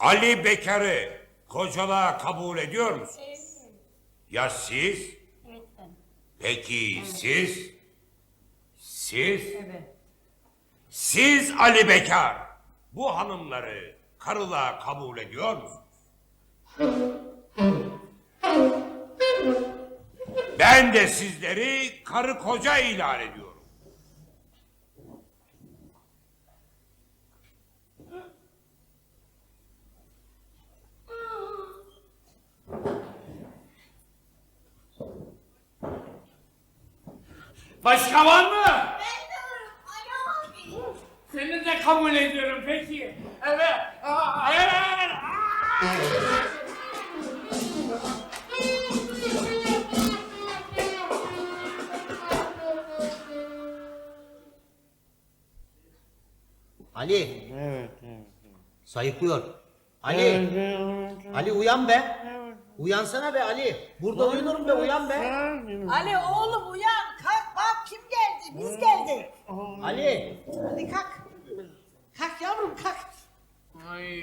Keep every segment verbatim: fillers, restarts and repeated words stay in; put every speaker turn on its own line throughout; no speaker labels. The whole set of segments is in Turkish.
Ali Bekar'ı kocalığa kabul ediyor musunuz?
Evet.
Ya siz?
Evet ben.
Peki siz? Siz?
Evet.
Siz Ali Bekar, bu hanımları karılığa kabul ediyor musunuz? Ben de sizleri karı koca ilan ediyorum.
Başka var mı?
Ben de varım Ali abi.
Seni de kabul ediyorum peki. Evet. Aa, evet. Aa.
Ali.
Evet, evet.
Sayıklıyor. Ali.
Evet, evet.
Ali uyan be. Uyansana be Ali. Burada uyunurum be, uyan be.
Ali oğlum uyan, kalk bak kim geldi, biz geldik.
Ali.
Hadi kalk. Kalk yavrum kalk.
Ay.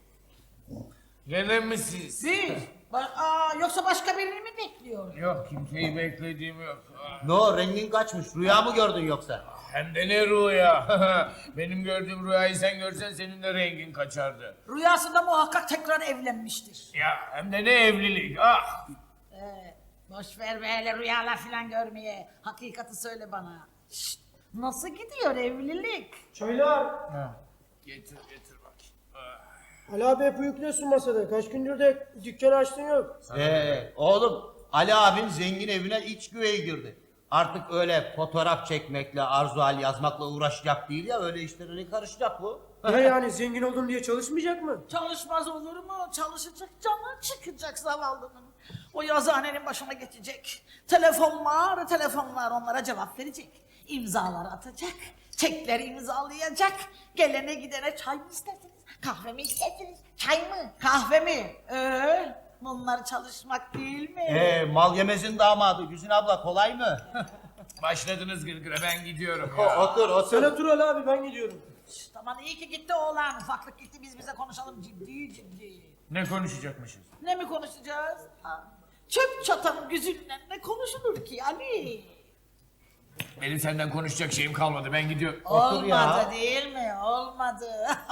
Gene mi siz?
Biz. Ba- Aa, yoksa başka birini mi bekliyor?
Yok, kimseyi beklediğim yok. Ah,
No, rengin kaçmış. Rüya mı gördün yoksa?
Hem de ne rüya. Benim gördüğüm rüyayı sen görsen senin de rengin kaçardı.
Rüyasında muhakkak tekrar evlenmiştir.
Ya hem de ne evlilik. Ah.
Ee, boş ver böyle rüyalar falan görmeye. Hakikati söyle bana. Şşt, nasıl gidiyor evlilik?
Çaylar.
Ha. Getir getir bakayım. Ah.
Ali abi hep uyukluyorsun masada. Kaç gündür de dükkanı açtın yok.
Ee, oğlum Ali abin zengin evine iç güveye girdi. Artık öyle fotoğraf çekmekle, arzu hal yazmakla uğraşacak değil ya, öyle işlerine karışacak bu.
Ne yani zengin oldun diye çalışmayacak mı?
Çalışmaz olur mu? Çalışacak, canı çıkacak zavallının. O yazıhanenin başına geçecek. Telefonlar, telefonlar onlara cevap verecek. İmzalar atacak. Çekleri imzalayacak. Gelene gidene çay mı istersiniz? Kahve mi istersiniz? Çay mı? Kahve mi? Ee, bunlar çalışmak değil mi?
Ee, mal yemezin damadı Güzin abla, kolay mı?
Başladınız gırgıra, ben gidiyorum
O-
ya.
otur
Sen
otur.
otur Ali abi, ben gidiyorum.
Şşt, aman iyi ki gitti oğlan. Ufaklık gitti, biz bize konuşalım ciddi ciddi.
Ne konuşacakmışız?
Ne mi konuşacağız? Ha, çöp çatan güzünden ne konuşulur ki Ali?
Benim senden konuşacak şeyim kalmadı, ben gidiyorum.
Otur ya.
Olmadı değil mi? Olmadı.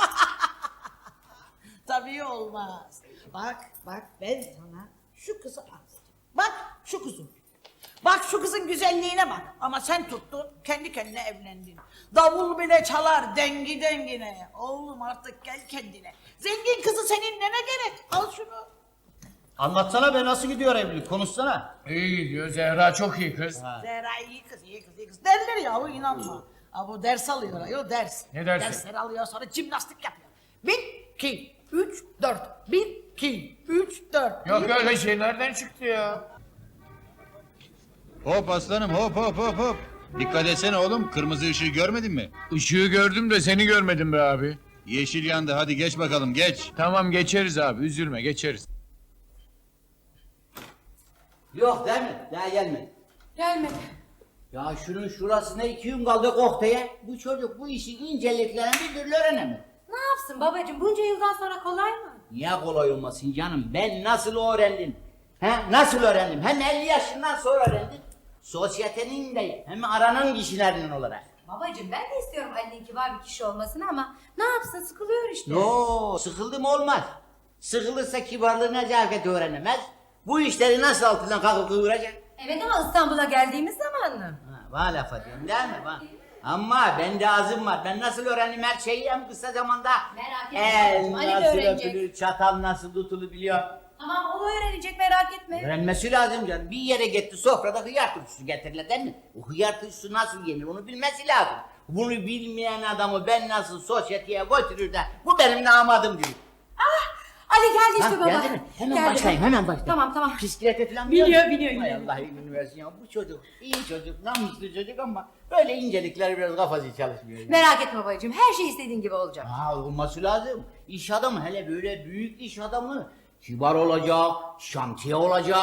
Tabii olmaz. Bak, bak ben sana şu kızı aldım. Bak şu kızın. Bak şu kızın güzelliğine bak. Ama sen tuttun, kendi kendine evlendin. Davul bile çalar dengi dengine. Oğlum artık gel kendine. Zengin kızı senin nene gerek? Al şunu.
Anlatsana be, nasıl gidiyor evlilik, konuşsana.
İyi gidiyor, Zehra çok iyi kız.
Ha.
Zehra iyi kız, iyi kız, iyi kız. Derler ya, o inanma. Ha, bu ders alıyor ayol, ders.
Ne dersi?
Dersleri alıyor, sonra jimnastik yapıyor. Bir, iki, üç, dört. Bir, iki, üç, dört.
Yok
Bir-
öyle şey nereden çıktı ya?
Hop aslanım, hop hop hop hop. Dikkat etsene oğlum, kırmızı ışığı görmedin mi?
Işığı gördüm de seni görmedim be abi.
Yeşil yandı, hadi geç bakalım, geç.
Tamam geçeriz abi, üzülme geçeriz.
Yok değil mi? Daha gelmedi.
Gelmedi.
Ya şunun şurasına iki gün kaldı kokteye. Bu çocuk bu işin inceliklerini bir türlü öğrenemedi.
Ne yapsın babacığım, bunca yıldan sonra kolay mı?
Niye kolay olmasın canım? Ben nasıl öğrendim? He? Nasıl öğrendim? Hem elli yaşından sonra öğrendim. Sosyetenin de hem aranan kişilerinden olarak.
Babacığım ben de istiyorum Ali'nin kibar bir kişi olmasını ama ne yapsın, sıkılıyor işte.
No, sıkıldım olmaz. Sıkılırsa kibarlığı nezaketi öğrenemez. Bu işleri nasıl altından kalkıp kıvıracak?
Evet ama İstanbul'a geldiğimiz zaman mı?
Ha, bana laf ediyorum değil mi? Bana. Ama bende azım var. Ben nasıl öğrendim her şeyi hem kısa zamanda.
Merak etme
El
babacığım, Ali de
nasıl
öğrenecek.
öpülür, çatal nasıl tutulur biliyor.
Tamam o öğrenecek, merak etme.
Öğrenmesi lazım canım. Bir yere gitti sofrada hıyar turşusu getirirler değil mi? O hıyar turşusu nasıl yenir onu bilmesi lazım. Bunu bilmeyen adamı ben nasıl sosyeteye götürür de bu benim namadım diyor.
Ali geldi işte
Ha,
baba.
geldi mi? Hemen
Geldi.
başlayın, hemen başlayın.
Tamam tamam.
Bisiklete falan
Biniyor,
musun?
biniyor,
Hay
biniyor.
Allah iyiliğini versin ya. Bu çocuk iyi çocuk, namuslu çocuk ama böyle incelikler biraz kafası çalışmıyor. Yani.
Merak etme babacığım, her şey istediğin gibi olacak.
Ha, olması lazım. İş adamı, hele böyle büyük iş adamı kibar olacak, şantiye olacak,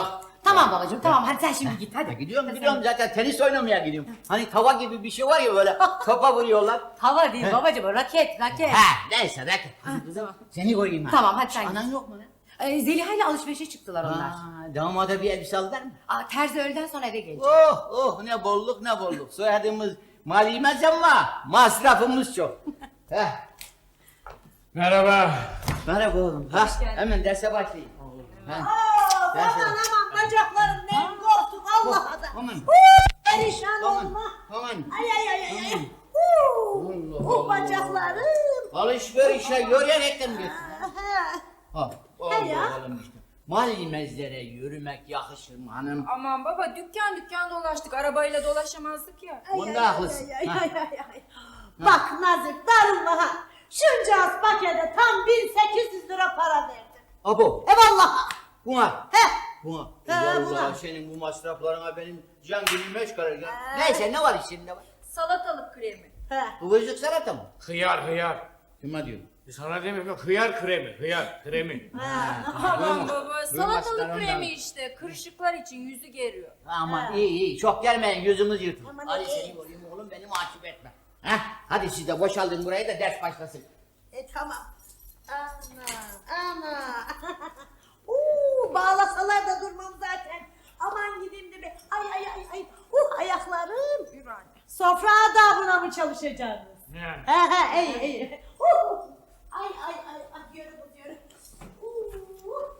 Tamam babacığım tamam hadi sen şimdi git
Ha,
hadi.
gidiyorum
Hadi
gidiyorum
sen-
zaten tenis oynamaya gidiyorum. Hani tava gibi bir şey var ya böyle topa vuruyorlar.
Tava değil babacığım o raket raket.
Ha neyse raket. Hadi kızım seni koyayım ha.
Tamam, hadi sen
Anan
git.
yok mu lan?
Ee, Zeliha ile alışverişe çıktılar onlar.
Aa, damada bir elbise aldılar mı?
Aa, terzi öğleden sonra eve gelecek.
Oh oh ne bolluk ne bolluk. Soyadımız malimez ama masrafımız çok. Heh.
Merhaba.
Merhaba oğlum. Ha,
geldin.
hemen derse başlayayım. Ha.
Aa,
Derse-
aman aman bacaklarım ne korktuk Allah'a da.
Aman.
Perişan
Aman.
olma.
Aman.
Ay ay ay ay. ay. Huu,
Allah
Bu
Allah.
bacaklarım.
Alışverişe yürüyerekten götür.
Aha.
Ha.
He ya.
Oğlum işte. Malimezlere yürümek yakışır mı hanım?
Aman baba dükkan dükkan dolaştık. Arabayla dolaşamazdık ya.
Ay,
Bunda
ay,
haklısın.
ay, ay,
Ha.
ay, ay, ay. Bak Nazif darılma ha. Şuncağız pakete tam bin sekiz yüz lira para verdim.
Abo.
E vallahi.
Buna.
He.
Buna.
He,
Allah
buna.
senin bu masraflarına benim can günüm meş kalacak. Neyse ne var içinde var?
Salatalık kremi.
He.
Kıvırcık salata mı?
Hıyar hıyar.
Kime diyorum?
Sana demiyorum yok hıyar kremi. Hıyar kremi.
Aman baba
Duymazlar
salatalık
ondan.
kremi işte. Kırışıklar için yüzü geriyor.
Aman iyi iyi çok gelmeyin yüzümüz yırtın.
Aman
Hadi
iyi.
seni vurayım oğlum beni mahcup etme. Heh, hadi siz de boşaldın burayı da ders başlasın.
E tamam. Ana ana. Uuu bağlasalar da durmam zaten. Aman gideyim de bir. Ay ay ay ay. Uh ayaklarım.
Yürü anne.
Sofra adabına mı çalışacaksınız?
Ne?
He he iyi iyi. Uh. Ay ay ay ay yürü bu yürü. Uh.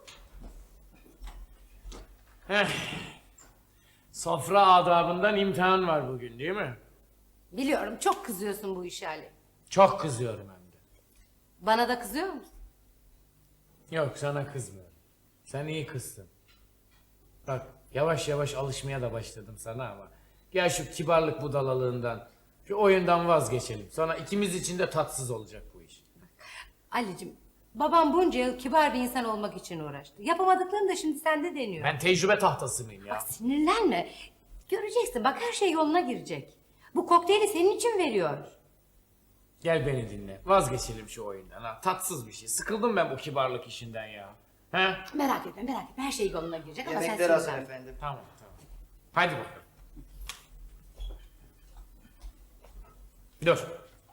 Heh. Sofra adabından imtihan var bugün değil mi?
Biliyorum çok kızıyorsun bu işe Ali.
Çok kızıyorum hem de.
Bana da kızıyor musun?
Yok sana kızmıyorum. Sen iyi kızsın. Bak yavaş yavaş alışmaya da başladım sana ama. Gel şu kibarlık budalalığından, şu oyundan vazgeçelim. Sonra ikimiz için de tatsız olacak bu iş.
Ali'cim babam bunca yıl kibar bir insan olmak için uğraştı. Yapamadıklarını da şimdi sende deniyor.
Ben tecrübe tahtası mıyım ya?
Bak sinirlenme. Göreceksin bak her şey yoluna girecek. Bu kokteyli senin için veriyor.
Gel beni dinle. Vazgeçelim şu oyundan ha. Tatsız bir şey. Sıkıldım ben bu kibarlık işinden ya. He?
Merak etme merak etme her şey yoluna girecek ama sen
Yemekler hazır
sinirlenme.
efendim.
Tamam tamam. Hadi bakalım. Dur.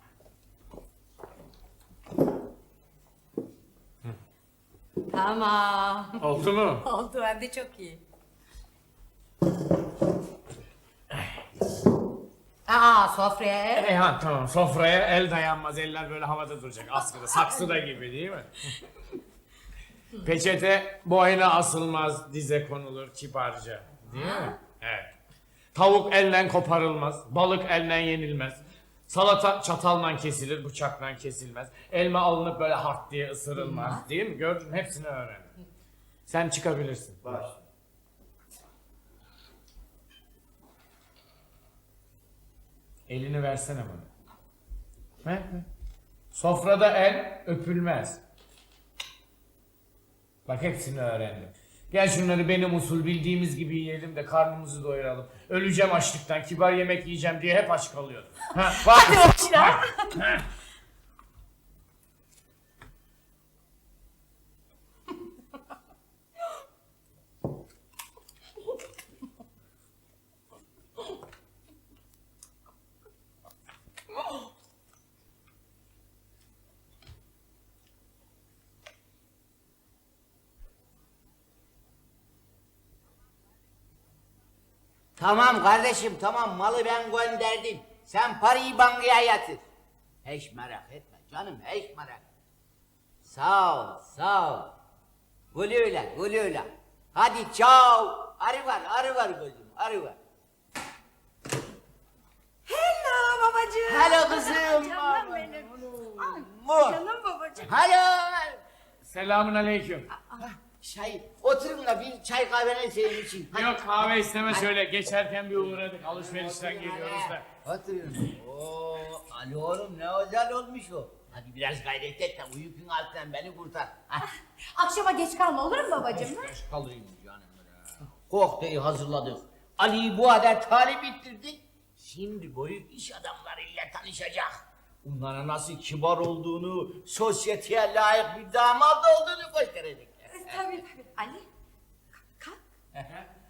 Tamam.
Oldu mu?
Oldu hem de çok iyi. Aa sofraya.
E ha tamam sofraya el dayanmaz eller böyle havada duracak askıda saksıda gibi değil mi? Peçete boyuna asılmaz dize konulur kibarca değil mi? Evet. Tavuk elle koparılmaz, balık elle yenilmez. Salata çatalla kesilir, bıçakla kesilmez. Elma alınıp böyle hart diye ısırılmaz değil mi? Gördün mü? Hepsini öğrendim. Sen çıkabilirsin. Baş. Elini versene bana. Ver, ver. Sofrada el öpülmez. Bak hepsini öğrendim. Gel şunları benim usul bildiğimiz gibi yiyelim de karnımızı doyuralım. Öleceğim açlıktan, kibar yemek yiyeceğim diye hep aç kalıyordum. Ha, bak.
Hadi bakayım.
Ha, ha.
Tamam kardeşim tamam malı ben gönderdim. Sen parayı bankaya yatır. Hiç merak etme canım hiç merak etme. Sağ ol sağ ol. Güle güle güle güle. Hadi çao. Arı var arı var gözüm arı var.
Hello babacığım.
Hello kızım.
Canım benim.
Mu.
Canım babacığım.
Hello.
Selamun aleyküm.
Çay oturun da bir çay kahvene senin için. Hadi.
Yok kahve isteme şöyle geçerken bir uğradık. Alışverişten geliyoruz da.
Oturun. Oo, Ali oğlum ne özel olmuş o. Hadi biraz gayret et de bu yükün altından beni kurtar. Hadi.
Akşama geç kalma olur mu babacığım? ha?
Geç kalayım canım ya. Kokteyli hazırladık. Ali'yi bu kadar talip ettirdik. Şimdi büyük iş adamlarıyla tanışacak. Onlara nasıl kibar olduğunu, sosyeteye layık bir damat olduğunu gösterecek.
Tabii tabii. Ali kalk.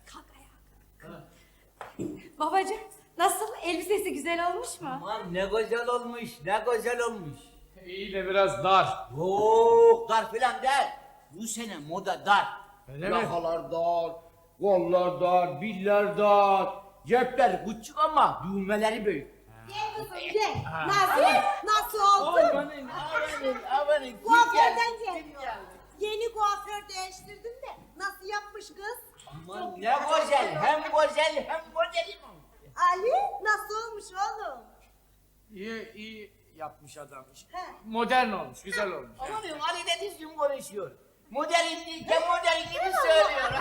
babacığım. Nasıl? Elbisesi güzel olmuş mu?
Aman ne güzel olmuş, ne güzel olmuş.
İyi de biraz dar.
Yok dar filan değil. Bu sene moda dar.
Öyle mi?
Yakalar dar, kollar dar, biller dar. Cepler küçük ama düğmeleri büyük.
Gel kızım gel. Nasıl? Nasıl oldu?
Amanın, amanın, amanın.
Kuaförden geliyor. Yeni kuaför değiştirdim de nasıl yapmış kız?
Aman ne güzel, hem güzel hem güzelim.
Ali nasıl olmuş oğlum?
İyi, iyi yapmış adam.
He.
Modern olmuş, güzel olmuş.
Amanın Ali de düzgün konuşuyor. Modelin değil de model gibi söylüyor.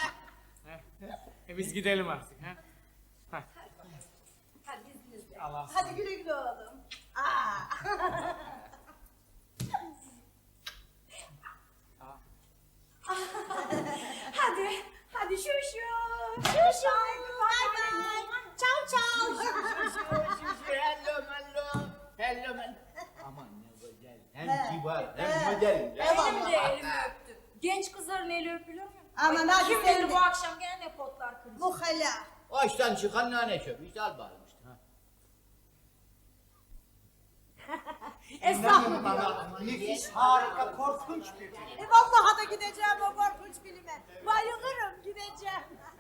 E biz gidelim artık. Ha? Ha.
Hadi izninizle.
Allah.
Hadi güle güle oğlum. Aa.
Hadi. Hadi şu şu.
Şu şu. Bye bye. Ciao ciao.
Hello hello. Hello hello. Aman ne güzel. Hem kibar hem model.
Benim de elimi öptü. Genç kızların eli öpülür mü?
Aman
Ay,
hadi
kim
sen
bilir
de.
bu akşam gene ne potlar kıracak.
Bu hala.
Açtan çıkan nane çöp. İşte al bağırmıştı.
Estağfurullah.
Nefis, harika, korkunç bir film.
E vallahi da gideceğim o korkunç filme. Bayılırım gideceğim.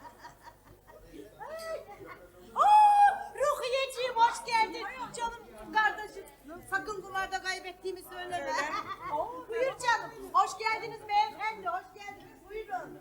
Aa, Ruhiyeciğim hoş geldin. Canım kardeşim. Sakın bunlarda kaybettiğimi söyleme. Buyur canım. Hoş geldiniz beyefendi. Hoş geldiniz. Buyurun.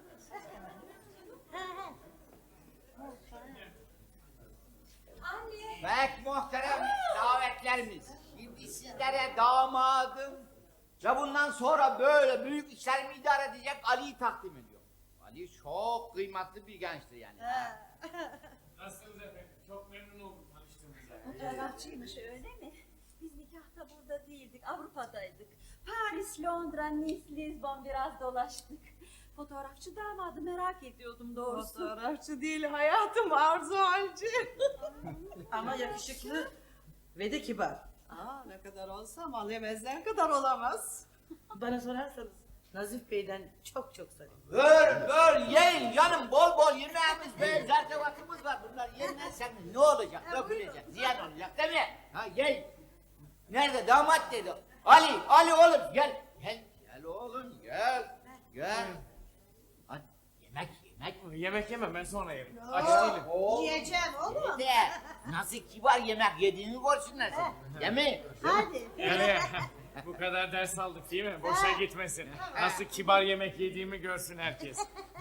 Anne.
Pek muhterem davetlerimiz. Şimdi sizlere damadım ve bundan sonra böyle büyük işlerimi idare edecek Ali'yi takdim ediyorum. Ali çok kıymetli bir gençtir yani.
Nasılsınız efendim? Çok memnun oldum tanıştığımıza.
Fotoğrafçıymış öyle mi? Biz nikahta burada değildik, Avrupa'daydık. Paris, Londra, Nice, Lisbon biraz dolaştık. Fotoğrafçı damadı merak ediyordum doğrusu.
Fotoğrafçı değil hayatım, Arzu Halci. Ama yakışıklı ve de kibar. Aa, ne kadar olsa mal yemezler kadar olamaz. Bana sorarsanız Nazif Bey'den çok çok sarayım.
Gör gör yiyin canım bol bol yemeğimiz böyle zaten vaktimiz var. Bunlar yenmezsek ne olacak? Dökülecek, ziyan olacak değil mi? Ha yiyin. Nerede damat dedi. Ali, Ali oğlum gel. Gel, gel oğlum gel. Gel. Hadi yemek yemek.
Yemek yemem ben sonra yerim. Aç değilim.
Yiyeceğim oğlum.
De nasıl kibar yemek yediğini görsünler seni. Değil mi?
Hadi.
Yani bu kadar ders aldık değil mi? Boşa gitmesin. Nasıl kibar yemek yediğimi görsün herkes.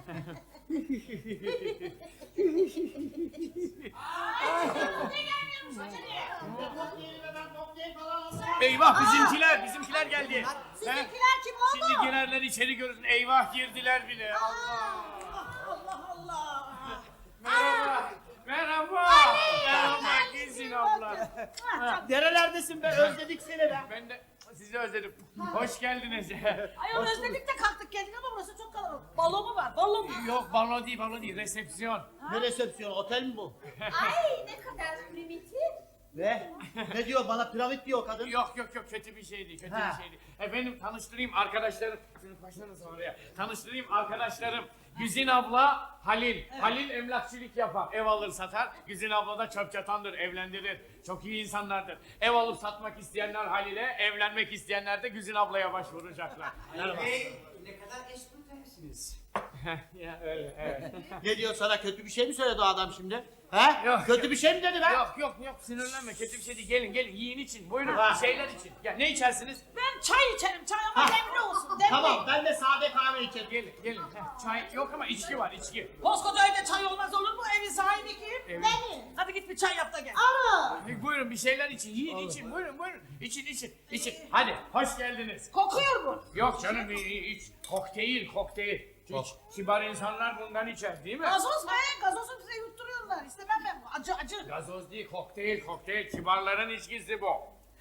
Eyvah bizimkiler, bizimkiler geldi.
Sizinkiler
He?
kim oldu?
Şimdi girerler içeri görürsün. Eyvah girdiler bile. Allah.
Allah Allah.
Merhaba. Merhaba. Merhaba Gülsün abla.
Nerelerdesin be? Özledik seni be.
Ben de sizi özledim. Hoş geldiniz.
Ayol özledik de kalktık geldik ama burası çok kalabalık. Balo mu var? Balo mu?
Yok balo değil, balo değil. Resepsiyon.
Ne resepsiyon? Otel mi bu?
Ay ne kadar primitif.
Ne? Ne diyor? Bana piramit diyor kadın.
Yok yok yok kötü bir şey değil, kötü
Ha.
bir şey değil. Efendim tanıştırayım arkadaşlarım. Şunu başlarınız oraya. Tanıştırayım arkadaşlarım. Güzin abla Halil. Halil emlakçılık yapar. Ev alır satar. Güzin abla da çöp çatandır, evlendirir. Çok iyi insanlardır. Ev alıp satmak isteyenler Halil'e, evlenmek isteyenler de Güzin ablaya başvuracaklar. Merhaba.
Ne kadar espritersiniz.
Ya öyle evet.
Ne diyor sana? Kötü bir şey mi söyledi o adam şimdi? He?
Yok.
Kötü bir şey mi dedi be?
Yok yok yok sinirlenme kötü bir şey değil. Gelin gelin yiyin için. Buyurun
Ha.
bir şeyler için. Ya ne içersiniz?
Ben çay içerim. Çay ama
Ha.
demli olsun. Demli.
Tamam ben de sade kahve içerim.
Gelin gelin. Heh, çay yok ama içki var içki.
Koskoca evde çay olmaz olur mu? Evin sahibi kim?
Evet.
Benim. Hadi git bir çay yap da gel.
E, Buyurun bir şeyler için. Yiyin için. Buyurun buyurun. İçin için. için. Hadi hoş geldiniz.
Kokuyor bu.
Yok canım i- i- iç. Kokteyl kokteyl. Hiç kibar insanlar bundan içer değil mi?
Gazoz he. Gazozu bize yutturuyorlar. İstemem ben bu. Acı acı.
Gazoz değil kokteyl kokteyl. Kibarların içkisi bu.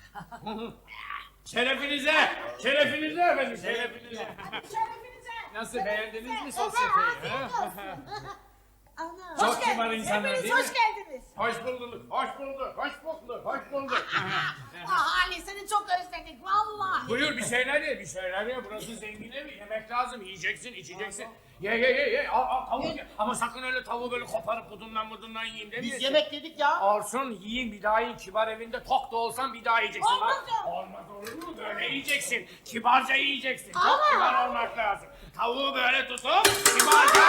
Şerefinize. Şerefinize efendim şerefinize.
Şerefinize.
Nasıl beğendiniz mi sosyeteyi?
Afiyet
ha?
olsun. Ana.
Çok
Hoş
kibar
geldiniz.
insanlar
Hepiniz
değil mi?
hoş geldiniz.
Hoş bulduk, hoş bulduk, hoş bulduk, hoş bulduk.
Ah Ali seni çok özledik vallahi.
Buyur bir şeyler ye, bir şeyler ye. Burası zengin evi, yemek lazım. Yiyeceksin, içeceksin. Ye ye ye ye, al al tavuk ye. Ama sakın öyle tavuğu böyle koparıp budundan budundan yiyin demiyorsun.
Biz yemek dedik ya.
Olsun, yiyin bir daha yiyin. Kibar evinde tok da olsan bir daha yiyeceksin.
Olmaz
Bak,
ya.
olmaz olur mu? Böyle yiyeceksin. Kibarca yiyeceksin. Çok
Ama.
kibar olmak lazım. Tavuğu böyle tutup kibarca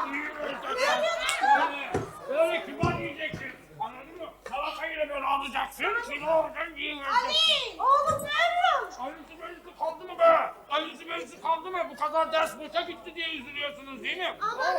böyle, böyle kibar yiyeceksin. Anladın mı? Salatayı da böyle alacaksın. Şimdi oradan yiyeceksin.
Ali oğlum nerede?
Ali'si Bey'si kaldı mı be? Ali'si Bey'si kaldı mı? Bu kadar ders boşa gitti diye üzülüyorsunuz değil mi?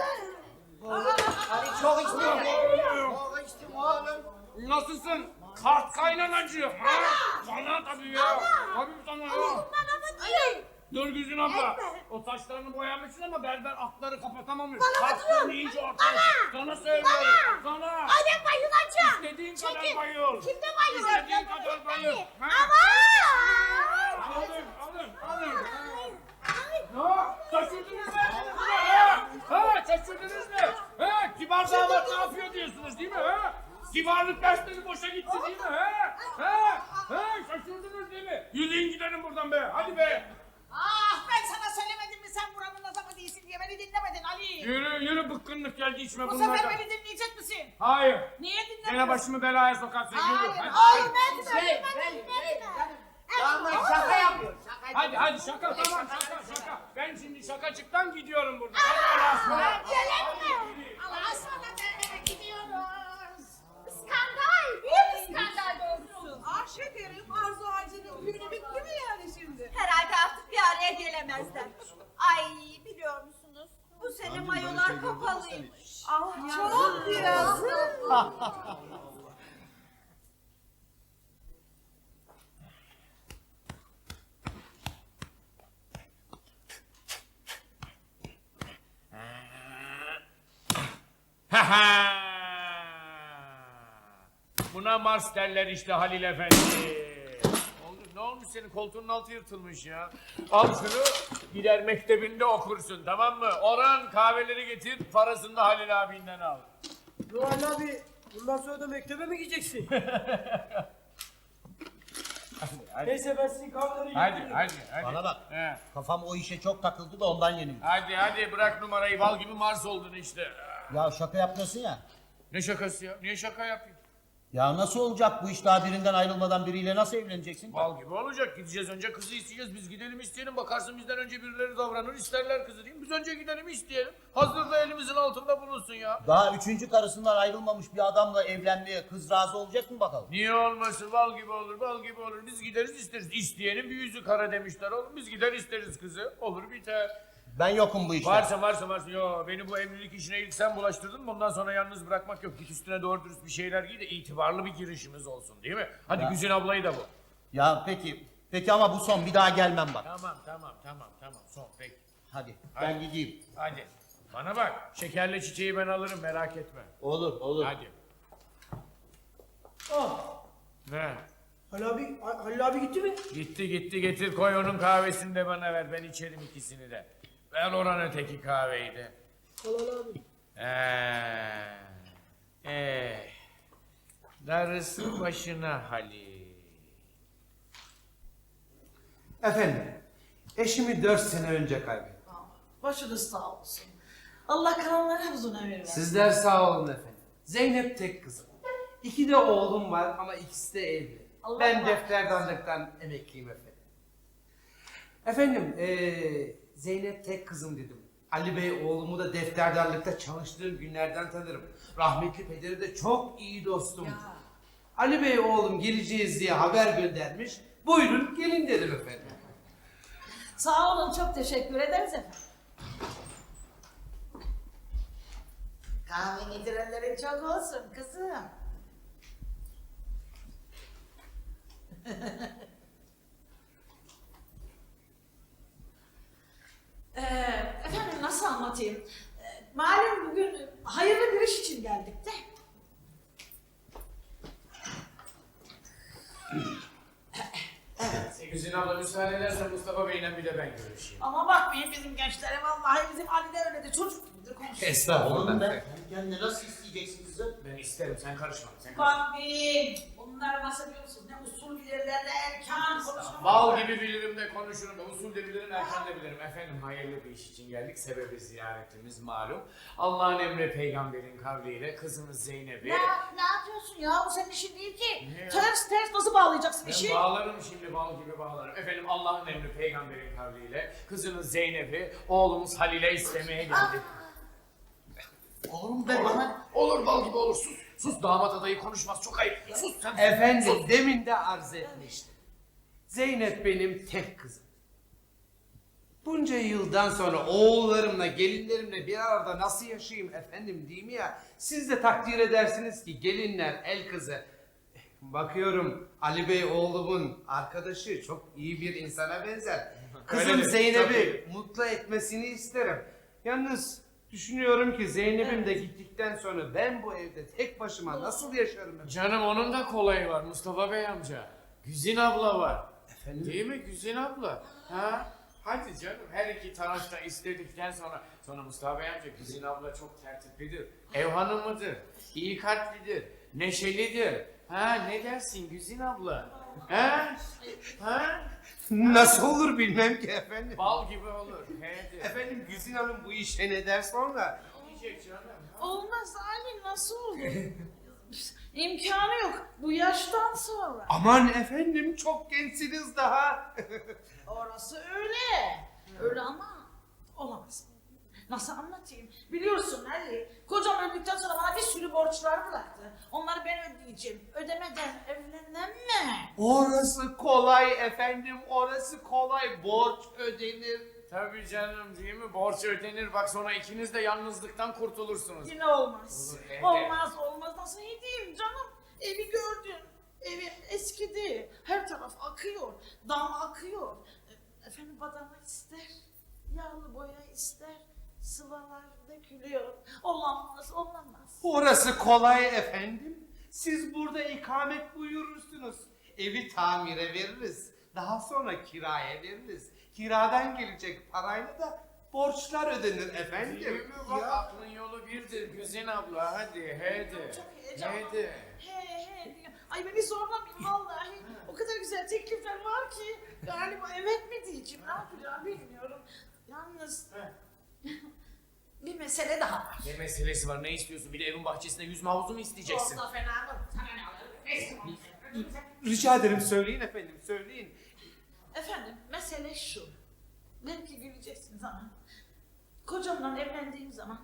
Ali çok içtim. Çok içtim oğlum.
Nasılsın? Kart kaynanacı. Ha? Sana tabii ya. Tabii sana ya.
Bana mı diyor?
Nurgüzün abla. O saçlarını boyamışsın ama berber atları kapatamamış.
Bana mı
Saçlarını
diyorsun?
iyice ortaya.
Bana!
Sana söylüyorum. Sana.
Ay ben bayılacağım.
İstediğin kadar
Çekil.
bayıl.
Kimde bayılacağım?
İstediğin kadar bayıl. Ha?
Aman.
Alın, alın, alın. Ha, şaşırdınız mı? Ha, ha, şaşırdınız mı? Ha, kibar damat ne yapıyor diyorsunuz değil mi? Ha? Kibarlık dersleri boşa gitti değil mi? Ha? Ha? Ha, şaşırdınız değil mi? Yürüyün gidelim buradan be, hadi be.
Ah ben sana söylemedim mi sen buranın adamı değilsin diye beni dinlemedin Ali.
Yürü, yürü bıkkınlık geldi içme
Bu
bunlardan.
sefer beni dinleyecek misin?
Hayır.
Niye dinlemedin?
Gene başımı belaya sokarsın. Yürü.
Hayır.
Hadi,
Hayır
hadi.
etme.
Şey,
etme,
ben,
etme,
ben,
etme.
canım. Damat şaka yapıyor. Şaka
Hadi hadi şaka tamam şaka şaka. Ben şimdi şakacıktan gidiyorum buradan. Hadi Allah'a ısmarladık.
Gelin mi? Allah'a ısmarladık eve gidiyoruz. Skandal. Büyük skandal doğrusu. Ah şekerim Arzu Ağacı'nın günü bitti mi yani şimdi?
Herhalde artık bir araya gelemezler. Ay biliyor musunuz? Bu sene mayolar kapalıymış. Ah
Çok yazık.
Ha ha! Buna Mars derler işte Halil Efendi. Oldu, ne olmuş senin koltuğunun altı yırtılmış ya. Al şunu gider mektebinde okursun tamam mı? Orhan kahveleri getir parasını da Halil abinden al.
Ruhan abi bundan sonra da mektebe mi gideceksin?
Hadi
Neyse ben sizin kahveleri
hadi
getireyim.
hadi. hadi.
Bana bak.
He.
Kafam o işe çok takıldı da ondan yenildim.
Hadi hadi bırak numarayı bal gibi Mars oldun işte.
Ya şaka yapmıyorsun ya.
Ne şakası ya? Niye şaka yapayım?
Ya nasıl olacak bu iş, daha birinden ayrılmadan biriyle nasıl evleneceksin?
Bal gibi olacak. Gideceğiz önce kızı isteyeceğiz. Biz gidelim isteyelim. Bakarsın bizden önce birileri davranır isterler kızı değil mi? Biz önce gidelim isteyelim. Hazır da elimizin altında bulunsun ya.
Daha üçüncü karısından ayrılmamış bir adamla evlenmeye kız razı olacak mı bakalım?
Niye olmasın? Bal gibi olur, bal gibi olur. Biz gideriz isteriz. İsteyenin bir yüzü kara demişler oğlum. Biz gider isteriz kızı. Olur biter.
Ben yokum bu işte.
Varsa varsa varsa. Yo beni bu evlilik işine ilk sen bulaştırdın. Bundan sonra yalnız bırakmak yok. Git üstüne doğru dürüst bir şeyler giy de itibarlı bir girişimiz olsun değil mi? Hadi
Ya.
Güzin ablayı da bu.
Ya peki, peki ama bu son, bir daha gelmem bak.
Tamam tamam tamam tamam son peki.
Hadi,
Hadi.
ben gideyim.
Hadi. Bana bak şekerli çiçeği ben alırım merak etme.
Olur, olur.
Hadi.
Ah
Ne?
Halil abi, Halil abi gitti mi?
Gitti gitti getir koy onun kahvesini de bana ver. Ben içerim ikisini de. Ver oran öteki kahveyi de.
Halil abi.
Eee. Eh. Darısı başına Halil.
Efendim, eşimi dört sene önce kaybettim.
Başınız sağ olsun. Allah kalanlara uzun ömür versin.
Sizler sağ olun efendim. Zeynep tek kızım. İki de oğlum var ama ikisi de evli.
Allah
ben
Allah.
defterdanlıktan emekliyim efendim. Efendim, eee, Zeynep tek kızım dedim. Ali Bey oğlumu da defterdarlıkta çalıştığım günlerden tanırım. Rahmetli pederi de çok iyi dostum. Ali Bey oğlum geleceğiz diye haber göndermiş. Buyurun gelin dedim efendim.
Sağ olun çok teşekkür ederiz efendim. Kahve getirenlerin çok olsun kızım. Ee, efendim nasıl anlatayım? Ee, malum bugün hayırlı bir iş için geldik de.
Güzin abla müsaade edersen Mustafa Bey'le bir de ben görüşeyim.
Ama bakmayın bizim gençlere vallahi bizim Ali de öyle de çocuk gibidir konuşur.
Estağfurullah.
Kendine nasıl isteyeceksin kızım?
Ben isterim, sen karışma. Sen karışma.
Bambim, bunlar nasıl biliyorsunuz? Ne usul bilirler ne erkan konuşma.
Bal gibi bilirim de konuşurum da, usul de bilirim, erken de bilirim. Efendim hayırlı bir iş için geldik. Sebebi ziyaretimiz malum. Allah'ın emri peygamberin kavliyle kızımız Zeynep'i...
Ne, ne yapıyorsun ya? Bu senin işin değil ki.
Ne ya?
Ters ters nasıl bağlayacaksın
Ben
işi?
bağlarım şimdi, bal gibi bağlarım. Efendim Allah'ın emri peygamberin kavliyle kızınız Zeynep'i oğlumuz Halil'e istemeye geldik.
Oğlum be bana.
Olur bal gibi olur, sus. Sus, damat adayı konuşmaz, çok ayıp. Sus sen.
Efendim demin de arz etmiştim. Zeynep benim tek kızım. Bunca yıldan sonra oğullarımla, gelinlerimle bir arada nasıl yaşayayım efendim değil mi ya? Siz de takdir edersiniz ki gelinler el kızı. Bakıyorum Ali Bey oğlumun arkadaşı çok iyi bir insana benzer. Kızım
Öyledir,
Zeynep'i
tabii.
mutlu etmesini isterim. Yalnız düşünüyorum ki Zeynep'im de gittikten sonra ben bu evde tek başıma nasıl yaşarım efendim?
Canım onun da kolayı var Mustafa Bey amca. Güzin abla var.
Efendim?
Değil mi Güzin abla? Ha? Hadi canım, her iki taraf da istedikten sonra... Sonra Mustafa Bey amca, Güzin abla çok tertiplidir. Ev hanımıdır, iyi kalplidir, neşelidir. Ha, ne dersin Güzin abla? Ha? Ha?
Nasıl olur bilmem ki efendim.
Bal gibi olur. Hadi.
Efendim Güzin Hanım bu işe ne der sonra?
Diyecek canım.
Olmaz Ali, nasıl olur? İmkanı yok bu yaştan sonra.
Aman efendim çok gençsiniz daha.
Orası öyle. Öyle ama olamaz. Nasıl anlatayım? Biliyorsun Ali, kocam öldükten sonra bana bir sürü borçlar bıraktı. Onları ben ödeyeceğim. Ödemeden evlenemem mi?
Orası kolay efendim, orası kolay. Borç ödenir.
Tabii canım, değil mi? Borç ödenir, bak sonra ikiniz de yalnızlıktan kurtulursunuz.
Yine olmaz.
Olur, evde.
Olmaz olmaz. Nasıl edeyim canım? Evi gördün. Evi eskidi. Her taraf akıyor. Dam akıyor. E, Efendim badana ister. Yağlı boya ister. Sıvalar dökülüyor. Olamaz, olamaz.
Orası kolay efendim. Siz burada ikamet buyurursunuz. Evi tamire veririz. Daha sonra kiraya veririz. Kiradan gelecek parayla da borçlar ödenir efendim.
Değil mi? Bak aklın yolu birdir Güzin abla, hadi hadi.
Çok heyecanlı.
Hadi.
He he. Ay beni zorlamayın vallahi. O kadar güzel teklifler var ki. Galiba evet mi diyeceğim, ne yapacağım bilmiyorum. Yalnız bir mesele daha var.
Ne meselesi var, ne istiyorsun? Bir de evin bahçesinde yüzme havuzu mu isteyeceksin?
Olsa fena mı? Sana ne alırım? Neyse.
Rica ederim söyleyin efendim, söyleyin.
Efendim mesele şu. Belki güleceksiniz ama kocamla evlendiğim zaman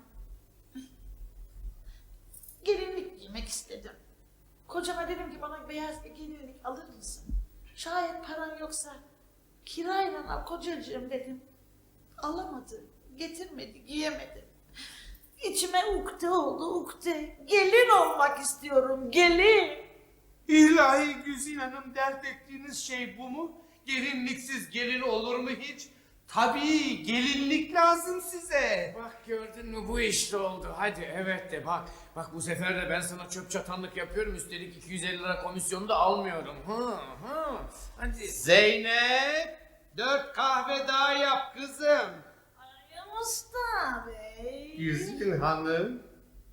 gelinlik giymek istedim. Kocama dedim ki bana beyaz bir gelinlik alır mısın? Şayet paran yoksa kirayla al kocacığım dedim. Alamadı, getirmedi, giyemedi. İçime ukde oldu ukde. Gelin olmak istiyorum, gelin.
İlahi Güzin Hanım, dert ettiğiniz şey bu mu? Gelinliksiz gelin olur mu hiç? Tabii gelinlik lazım size.
Bak gördün mü, bu işte oldu. Hadi evet de bak. Bak bu sefer de ben sana çöp çatanlık yapıyorum. Üstelik iki yüz elli lira komisyonu da almıyorum. Hı hı. Hadi.
Zeynep, dört kahve daha yap kızım.
Ay Mustafa Bey.
Güzin Hanım.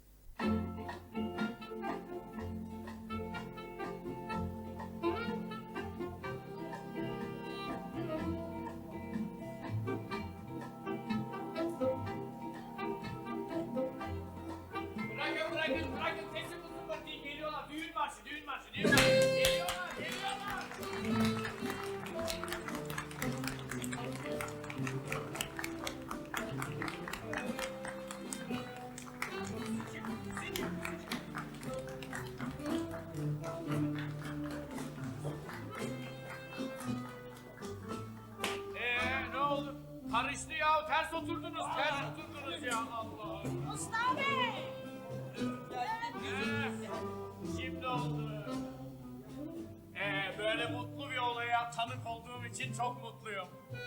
Bırakın bırakın bırakın. Teslim olsun bakayım. Geliyorlar. Düğün marşı, düğün marşı, düğün marşı. Geliyorlar, geliyorlar. Ee, ne oldu? Karıştı ya, ters oturdunuz, ters oturdunuz ya Allah.
Mustafa Bey.
Ee, şimdi oldu. Ee, böyle mutlu bir olaya tanık olduğum için çok mutluyum.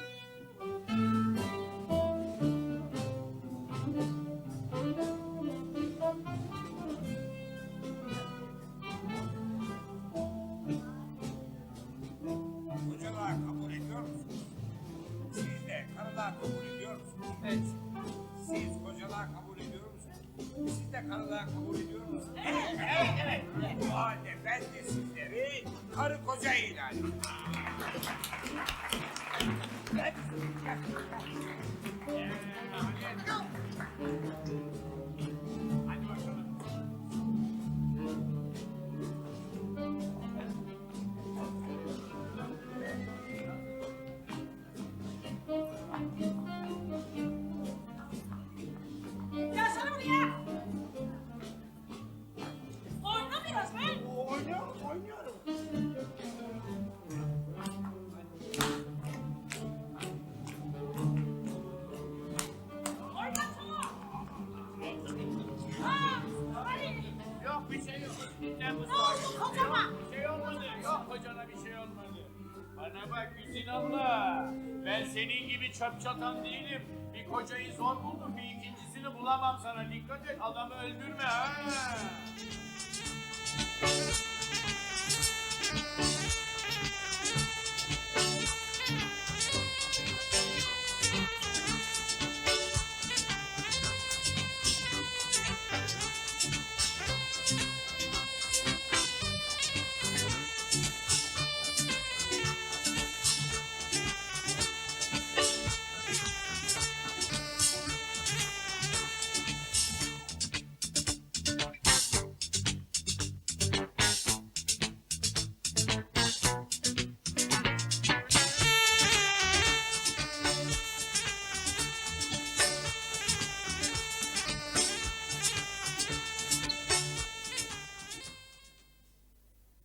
Kocalığa kabul ediyor musunuz? Siz de karılığa kabul ediyor musunuz?
Evet.
Siz kocalığa kabul ediyor musunuz? de karılığa kabul ediyor musunuz? Evet, evet, evet. O halde ben de sizleri karı koca ilan ediyorum. Gel. Gel. Gel. Hadi bakalım.
Gelsene buraya. Oyna biraz be.
Oynuyorum, oynuyorum.
Oynasana. Ha, hadi.
Yok bir şey yok. Ne bu?
Ne oldu kocama?
Bir şey olmadı. Yok kocana bir şey olmadı. Bana bak Güzin abla. Ben senin gibi çöp çatan değilim. Bir kocayı zor buldum. Bir ikincisini bulamam sana. Dikkat et adamı öldürme ha.